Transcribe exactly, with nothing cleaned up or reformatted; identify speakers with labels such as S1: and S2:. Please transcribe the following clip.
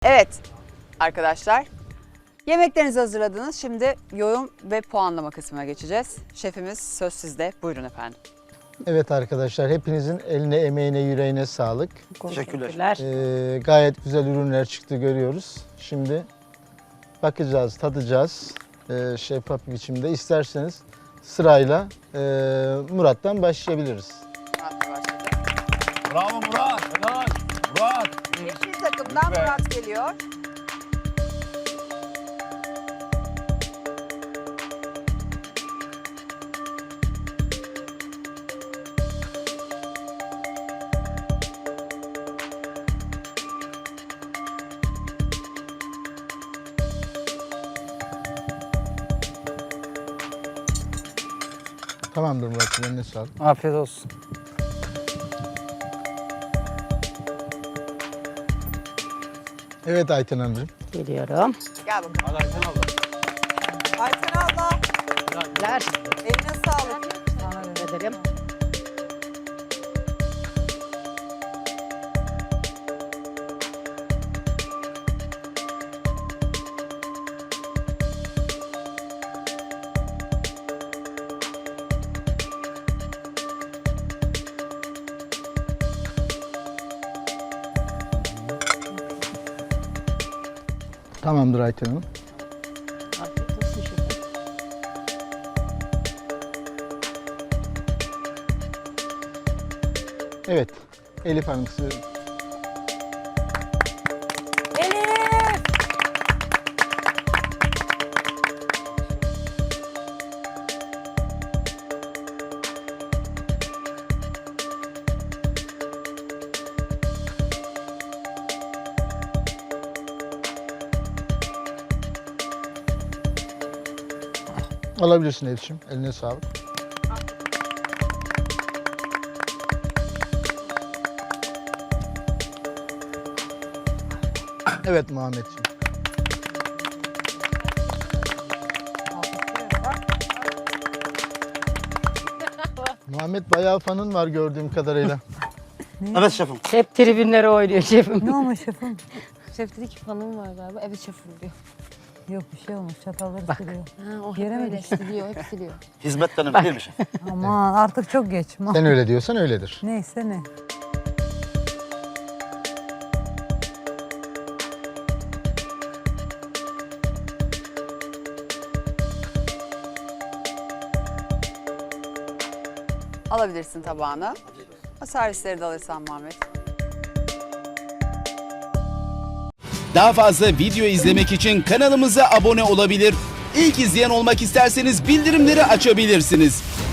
S1: Evet arkadaşlar, yemeklerinizi hazırladınız. Şimdi yorum ve puanlama kısmına geçeceğiz. Şefimiz söz sizde. Buyurun efendim.
S2: Evet arkadaşlar, hepinizin eline, emeğine, yüreğine sağlık.
S3: Teşekkürler.
S2: Ee, gayet güzel ürünler çıktı, görüyoruz. Şimdi bakacağız, tadacağız ee, şeffaf bir biçimde. İsterseniz sırayla e, Murat'tan başlayabiliriz.
S1: Murat'la başladı.
S4: Bravo Murat. Helal. Murat.
S1: Yeşil takımdan Murat geliyor.
S2: Tamamdır Murat'cığım, eline sağlık.
S3: Afiyet olsun.
S2: Evet Ayten Hanımcığım.
S3: Geliyorum.
S1: Gel bakalım.
S4: Hadi Ayten abla.
S1: Ayten abla,
S3: Ver.
S1: eline sağlık.
S3: Teşekkür ederim.
S2: Tamamdır Ayten Hanım.
S3: Afiyet olsun şefim.
S2: Evet, Elif Hanım size.
S3: Elif!
S2: Alabilirsin Elif'ciğim, eline sağlık. Evet Muhammedciğim. Muhammed bayağı fanın var gördüğüm kadarıyla.
S4: Evet şefim.
S3: Şef tribünleri oynuyor şefim.
S5: Ne olmuş şefim?
S6: Şef dedi ki fanım var galiba. Evet şefim diyor.
S5: Yok bir şey olmuş. Çatalları siliyor.
S6: Ha, o hep
S5: Yere mi
S6: öyle
S5: düştü?
S6: siliyor, hep siliyor.
S4: Hizmetten önemli değil mi şef?
S5: Aman artık çok geç. Ma-
S2: Sen öyle diyorsan öyledir.
S5: Neyse ne.
S1: Alabilirsin tabağını. O servisleri de alırsan Muhammed.
S7: Daha fazla video izlemek için kanalımıza abone olabilir. İlk izleyen olmak isterseniz bildirimleri açabilirsiniz.